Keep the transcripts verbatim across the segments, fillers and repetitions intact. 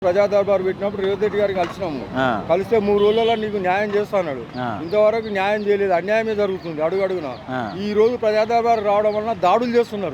ప్రజా దర్బార్ పెట్టినప్పుడు రేవంత్ రెడ్డి గారికి కలిసినాము. కలిస్తే మూడు రోజులలో నీకు న్యాయం చేస్తాడు. ఇంతవరకు న్యాయం చేయలేదు, అన్యాయమే జరుగుతుంది అడుగు అడుగున. ఈ రోజు ప్రజా దర్బార్ రావడం వలన దాడులు చేస్తున్నారు.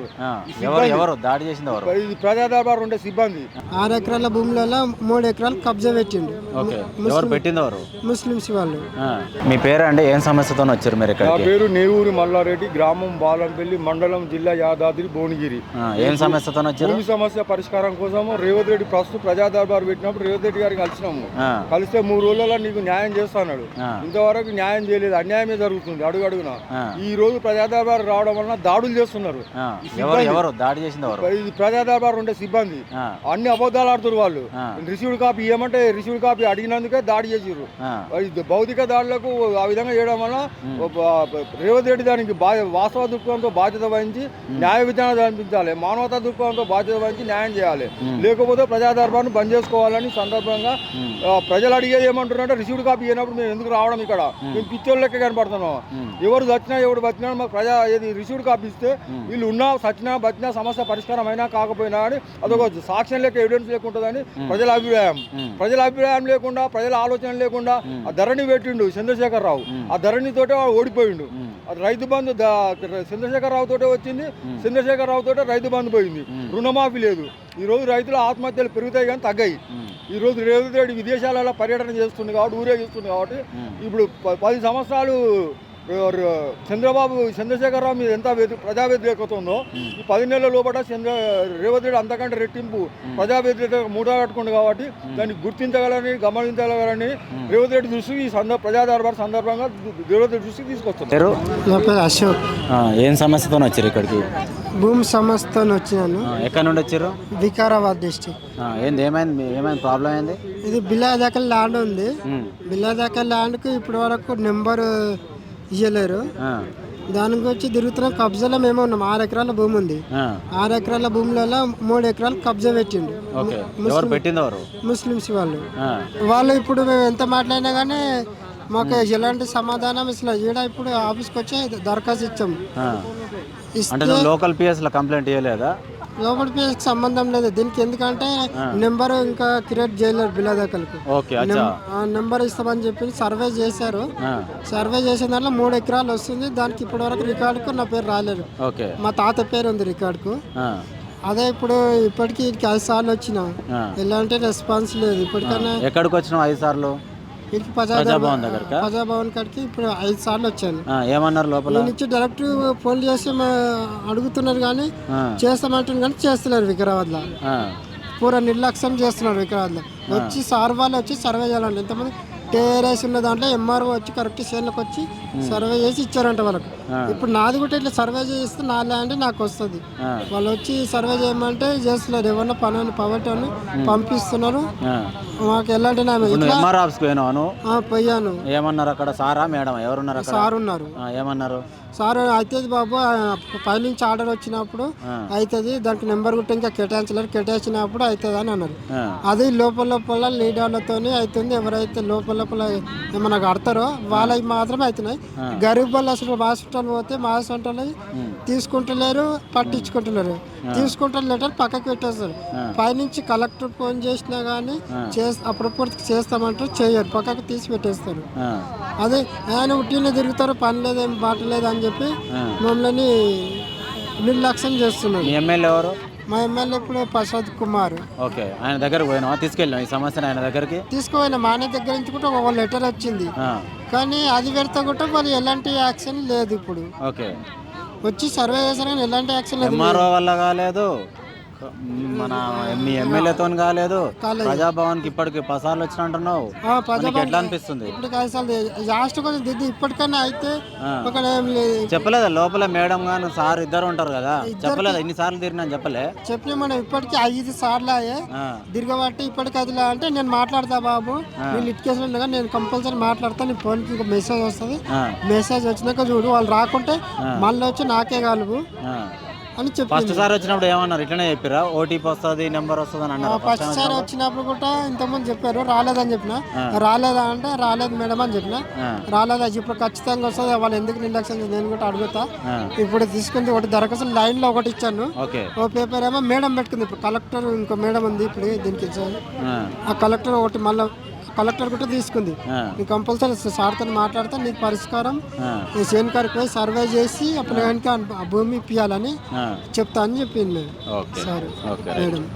ప్రజా దర్బార్ ఉండే సిబ్బంది ఆరు ఎకరాల భూములలో మూడు ఎకరాలు కబ్జా పెట్టిండు. ముస్లింస్ వాళ్ళు. మీ పేరు అంటే ఏం సమస్యతో వచ్చారు మీరు? నా పేరు నేవూరి మల్లారెడ్డి, గ్రామం బాలంపల్లి, మండలం, జిల్లా యాదాద్రి భువనగిరి. ఏం సమస్యతో వచ్చారు? భూమి సమస్య పరిష్కారం కోసం రేవంత్ రెడ్డి ప్రస్తుతం ప్రజా దర్బార్ పెట్టినప్పుడు రేవంత్ రెడ్డి గారికి కలిసినాము. కలిస్తే మూడు రోజులలో నీకు న్యాయం చేస్తాడు. ఇంతవరకు న్యాయం చేయలేదు, అన్యాయమే జరుగుతుంది అడుగు అడుగున. ఈ రోజు ప్రజా దర్బార్ రావడం వలన దాడులు చేస్తున్నారు. ప్రజా దర్బార్ ఉండే సిబ్బంది అన్ని అబద్ధాలు ఆడుతున్నారు. వాళ్ళు రిసీవ్డ్ కాపీ ఇవ్వమంటే రిసీవ్డ్ కాపీ అడిగినందుకే దాడి చేసారు. భౌతిక దాడులకు ఆ విధంగా చేయడం వలన రేవంత్ రెడ్డి దానికి వాస్తవ దృక్పథంతో బాధ్యత వహించి న్యాయ విధానం అనిపించాలి, మానవతా దృక్పథంతో బాధ్యత వహించి న్యాయం చేయాలి. లేకపోతే ప్రజా దర్బార్ను బంద్ చేసుకోవాలని సందర్భంగా ప్రజలు అడిగేది ఏమంటున్నారంటే రిసీవ్డ్ కాపీ అయినప్పుడు మేము ఎందుకు రావడం, ఇక్కడ మేము పిచ్చోళ్ళ లెక్క కనపడుతున్నాం. ఎవరు చచ్చినా ఎవరు బతినా మాకు ప్రజా ఏది రిసీవ్డ్ కాపీ ఇస్తే వీళ్ళు ఉన్నా సచ్చినా బతినా సమస్య పరిష్కారం అయినా కాకపోయినా అని అదొక సాక్ష్యం లెక్క ఎవిడెన్స్ లేకుంటుందని ప్రజల అభిప్రాయం. ప్రజల అభిప్రాయం లేకుండా, ప్రజల ఆలోచన లేకుండా ఆ ధరణి పెట్టిండు చంద్రశేఖర్ రావు. ఆ ధరణితోటే ఓడిపోయిండు. రైతు బంధు చంద్రశేఖర్ రావు తోటే వచ్చింది, చంద్రశేఖర్ రావు తోటే రైతు బంధు పోయింది. రుణమాఫీ లేదు. ఈ రోజు రైతుల ఆత్మహత్యలు పెరుగుతాయి కానీ తగ్గాయి. ఈ రోజు రేవంత్ రెడ్డి విదేశాలలో పర్యటన చేస్తుంది కాబట్టి, ఊరేగిస్తుంది కాబట్టి ఇప్పుడు పది సంవత్సరాలు చంద్రబాబు చంద్రశేఖరరావు మీద ఎంత ప్రజా వ్యతిరేకత ఉందో ఈ పది నెలల లోపల చంద్ర రేవంత్ రెడ్డి అంతకంటే రెట్టింపు ప్రజా వ్యతిరేకత మూట కట్టుకుంది కాబట్టి దాన్ని గుర్తించగలని, గమనించగలని రేవంత్ రెడ్డి దృష్టికి ఈ సందర్భ ప్రజా దర్బార్ సందర్భంగా రేవంత్ రెడ్డి దృష్టికి తీసుకొస్తున్నారు. అశోక్. ఏం సమస్యతో వచ్చారు ఇక్కడికి? భూమి సమస్యతో వచ్చినాను. ఎక్కడ నుండి వచ్చారు? వికారాబాద్ డిస్ట్రిక్ట్. ఏంది ఏమైంది ఏమైంది ప్రాబ్లం ఏంది? ఇది బిల్లాదాకా ల్యాండ్ ఉంది. బిల్లాదాకా ల్యాండ్కు ఇప్పటి వరకు నెంబర్ ఇయ్యలేరు. దాని గురించి తిరుగుతున్నాం. కబ్జాలో మేము ఉన్నాం. ఆరు ఎకరాల భూమి ఉంది. ఆరు ఎకరాల భూములలో మూడు ఎకరాలు కబ్జా పెట్టిండు ముస్లింస్ వాళ్ళు. వాళ్ళు ఇప్పుడు మేము ఎంత మాట్లాడినా కానీ మాకు ఎలాంటి సమాధానం ఇట్లా ఈడ ఇప్పుడు ఆఫీస్కి వచ్చి దరఖాస్తు ఇచ్చాము. లోకల్ పిఎస్ లో కంప్లైంట్ ఇవ్వలేదా? లోకల్ పిఎస్కి సంబంధం లేదు దీనికి. ఎందుకంటే నెంబర్ ఇంకా క్రియేట్ చేయలేరు బిల్లాదాఖలకు. నెంబర్ ఇస్తామని చెప్పి సర్వే చేశారు. సర్వే చేసిన దాంట్లో మూడు ఎకరాలు వస్తుంది. దానికి ఇప్పటి వరకు రికార్డుకు నా పేరు రాలేదు. మా తాత పేరు ఉంది రికార్డుకు. అదే ఇప్పుడు ఇప్పటికి ఐదు సార్లు వచ్చిన ఎలాంటి రెస్పాన్స్ లేదు. ఇప్పటికైనా ఎక్కడికి వచ్చిన ఐదు సార్లు? ప్రజాభవన్ కాడికి ఇప్పుడు ఐదు సార్లు వచ్చాను. ఏమన్నారు లోపల నుంచి డైరెక్ట్ ఫోన్ చేసి అడుగుతున్నారు కానీ చేస్తామంటున్నారు కానీ చేస్తున్నారు. వికారాబాద్ లో పూరా నిర్లక్ష్యం చేస్తున్నారు. వికారాబాద్ లో వచ్చి సార్ వాళ్ళు వచ్చి సర్వే చేయాలండి. ఎంతమంది టేరేసి ఉన్న దాంట్లో ఎంఆర్ఓ వచ్చి కరెక్ట్ చేనులకు వచ్చి సర్వే చేసి ఇచ్చారంట వాళ్ళకి. ఇప్పుడు నాది కూడా ఇట్లా సర్వే చేస్తే నా ల్యాండ్ నాకు వస్తుంది. వాళ్ళు వచ్చి సర్వే చేయమంటే చేస్తున్నారు. ఎవరన్నా పని పవర్టీ అని పంపిస్తున్నారు. మాకు ఎలాంటి పోయాను. ఏమన్నారు అక్కడ? సారా మేడం ఎవరున్నారు? సార్ ఉన్నారు. ఏమన్నారు? సార్ అవుతుంది బాబు, పైనుంచి ఆర్డర్ వచ్చినప్పుడు అవుతుంది, దానికి నెంబర్ గుట్ట ఇంకా కేటాయించలేరు, కేటాయించినప్పుడు అవుతుంది అని అన్నారు. అది లోపల లోపల లీడర్లతో అవుతుంది. ఎవరైతే లోపల లోపల ఏమన్నా కడతారో వాళ్ళకి మాత్రమే అవుతున్నాయి. గరీబ్ వాళ్ళు అసలు మా హాస్పిటల్ పోతే మా హాస్పిటల్ తీసుకుంటలేరు, పట్టించుకుంటలేరు. తీసుకుంటారు లెటర్ పక్కకి పెట్టేస్తారు. పైనుంచి కలెక్టర్ ఫోన్ చేసినా కానీ అప్పుడప్పుడు చేస్తామంటారు, చేయరు, పక్కకి తీసి పెట్టేస్తారు. అదే ఆయన ఉట్టినే తిరుగుతారు, పని లేదేం బాట లేదు అని చెప్పి మమ్మల్ని నిర్లక్ష్యం చేస్తున్నారు. ఎమ్మెల్యే ఎవరు? మా ఎమ్మెల్యే ఇప్పుడు ప్రసాద్ కుమార్. ఓకే, ఆయన దగ్గరకు పోయినా తీసుకెళ్ళినా ఈ సమస్యను ఆయన దగ్గరికి తీసుకుపోయినా. మా ఆయన దగ్గర నుంచి కూడా ఒక లెటర్ వచ్చింది కానీ అది పెడితే కూడా వాళ్ళు ఎలాంటి యాక్షన్ లేదు. ఇప్పుడు ఓకే వచ్చి సర్వే చేశారు కానీ ఎలాంటి యాక్షన్ లేదు. ఎంఆర్ఓ వల్ల కాలేదు, మన మీ ఎమ్మెల్యేతో కాలేదు. ప్రజాభవన్ కి ఇప్పటికి పసార్లు వచ్చినట్టున్నావు, ఎట్లా అనిపిస్తుంది? లాస్ట్ కొంచెం దిద్ది ఇప్పటికైనా అయితే చెప్పలేదా? లోపల మేడం గాను సార్ ఇద్దరు ఉంటారు కదా, చెప్పలేదా? ఇన్ని సార్లు తిరిగినా చెప్పలే? చెప్పలే. మనం ఇప్పటికి ఐదు సార్లు అయ్యే తిరగబట్టి ఇప్పటికి అది అంటే నేను మాట్లాడతా బాబు, నేను ఇటుకేసిన నేను కంపల్సరీ మాట్లాడతా. నీ ఫోన్ కి మెసేజ్ వస్తుంది, మెసేజ్ వచ్చినాక చూడు, వాళ్ళు రాకుంటే మళ్ళీ వచ్చి నాకే కలుగు అని ఫస్ట్ చెప్పింది. సార్ వచ్చినప్పుడు ఏమన్నారు? ఇట్లనే చెప్పిరా ఓటీపీ వస్తుంది నెంబర్ వస్తుంది అని అన్నారు? ఫస్ట్ సారి వచ్చినప్పుడు కూడా ఇంతకుముందు చెప్పారు, రాలేదని చెప్పిన. రాలేదా అంటే రాలేదు మేడం అని చెప్పిన. రాలేదా ఇప్పుడు ఖచ్చితంగా వస్తుంది, వాళ్ళు ఎందుకు నిర్లక్ష్యం చేసి నేను కూడా అడుగుతా. ఇప్పుడు తీసుకుంది ఒకటి దరఖాస్తు లైన్ లో ఒకటి ఇచ్చాను, ఓకే. ఓ పేపర్ ఏమో మేడం పెట్టుకుంది. ఇప్పుడు కలెక్టర్ ఇంకో మేడం ఉంది ఇప్పుడు దీనికి ఇచ్చాను. ఆ కలెక్టర్ ఒకటి మళ్ళీ కలెక్టర్ కూడా తీసుకుంది. నీకు కంపల్సరీ సార్తో మాట్లాడితే నీకు పరిష్కారం ఈ చేను కాడికి పోయి సర్వే చేసి అప్పుడు ఆ భూమి ఇప్పియాలని చెప్తా అని చెప్పింది ఓకే సరే ఓకే మేడం.